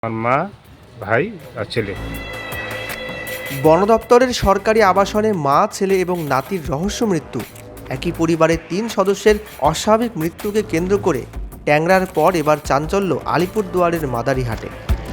আমার মা, ভাই আর ছেলে। বন দপ্তরের সরকারি আবাসনে মা, ছেলে এবং নাতির রহস্য মৃত্যু। একই পরিবারের ৩ সদস্যের অস্বাভাবিক মৃত্যুকে কেন্দ্র করে ট্যাংরার পর এবার চাঞ্চল্য আলিপুরদুয়ারের মাদারিহাটে।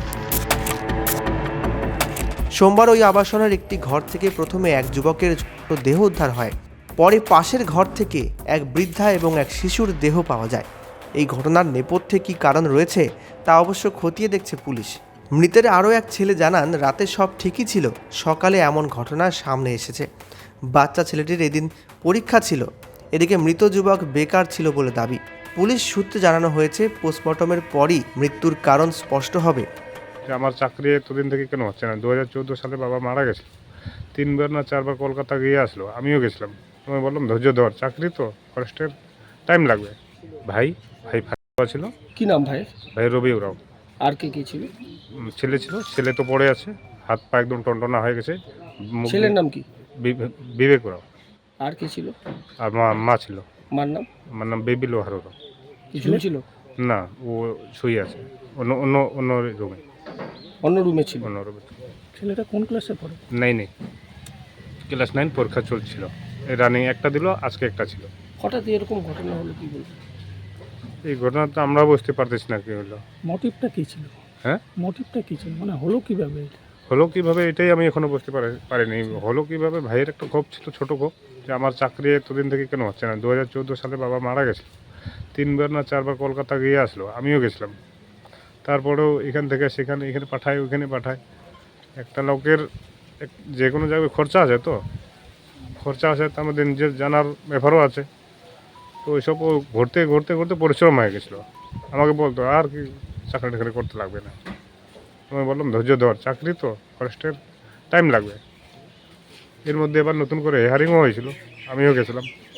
সোমবার ওই আবাসনের একটি ঘর থেকে প্রথমে এক যুবকের দেহ উদ্ধার হয়। পরে পাশের ঘর থেকে এক বৃদ্ধা এবং এক শিশুর দেহ পাওয়া যায়। এই ঘটনার নেপথ্যে কী কারণ রয়েছে তা অবশ্য খতিয়ে দেখছে পুলিশ। মৃতের আরও এক ছেলে জানান, রাতে সব ঠিকই ছিল, সকালে এমন ঘটনা সামনে এসেছে। বাচ্চা ছেলেটির এদিন পরীক্ষা ছিল। এদিকে মৃত যুবক বেকার ছিল বলে দাবি। পুলিশ সূত্রে জানানো হয়েছে, পোস্টমর্টমের পরই মৃত্যুর কারণ স্পষ্ট হবে। যে আমার চাকরি এতদিন থেকে কেন হচ্ছে না? 2014 সালে বাবা মারা গেছিল। 3বার না 4বার কলকাতা গিয়ে আসলো, আমিও গেছিলাম। আমি বললাম ধৈর্য ধর, চাকরি তো ফরেস্টের, টাইম লাগবে। ভাই ভাই ফাঁকা ছিল। কি নাম ভাই? ভাই রবি ওরাও। আর কে কে ছিল? ছেলে ছিল, ছেলে তো পড়ে আছে, হাত পা একদম টনটনা হয়ে গেছে। ছেলের নাম কি? বিবেক ওরাও। আর কে ছিল? আর মা ছিল। মার নাম? আমার নাম বেবি লোহার ওরাও। কি ঝুলছিল? না, ও শুয়ে আছে অন্য অন্য অন্য রুমে। অন্য রুমে ছিল। অন্য রুমে। ছেলেটা কোন ক্লাসে পড়ে? নেই, ক্লাস 9 পরীক্ষা চলছিল। এই রানিং একটা দিল, আজকে একটা ছিল। হঠাৎ এরকম ঘটনা হলো কি বলবো? এই ঘটনা তো আমরা বুঝতে পারতেছি না কি হলো। মোটিভটা কী ছিল? হ্যাঁ, মোটিভটা কী ছিল, মানে হলো কীভাবে এটা? হলো কিভাবে এটাই আমি এখনো বুঝতে পারিনি। হলো কিভাবে, ভাইয়ের একটা ক্ষোভ ছিল, ছোট ক্ষোভ, যে আমার চাকরি এতদিন থেকে কেন হচ্ছে না? 2014 সালে বাবা মারা গেছিল। 3বার না 4বার কলকাতা গিয়ে আসলো, আমিও গেছিলাম। তারপরেও এখান থেকে সেখানে, এখানে পাঠায়, ওইখানে পাঠায়। একটা লোকের যে কোনো জায়গায় খরচা আছে, তো খরচা আছে, তো আমাদের নিজের জানার ব্যাপারও আছে। তো ওইসব ও ঘুরতে ঘুরতে ঘুরতে পরিশ্রম হয়ে গেছিলো। আমাকে বলতো আর কি চাকরি টাকরি করতে লাগবে না। আমি বললাম ধৈর্য ধর, চাকরি তো ফরেস্টের, টাইম লাগবে। এর মধ্যে এবার নতুন করে হেয়ারিংও হয়েছিল, আমিও গেছিলাম।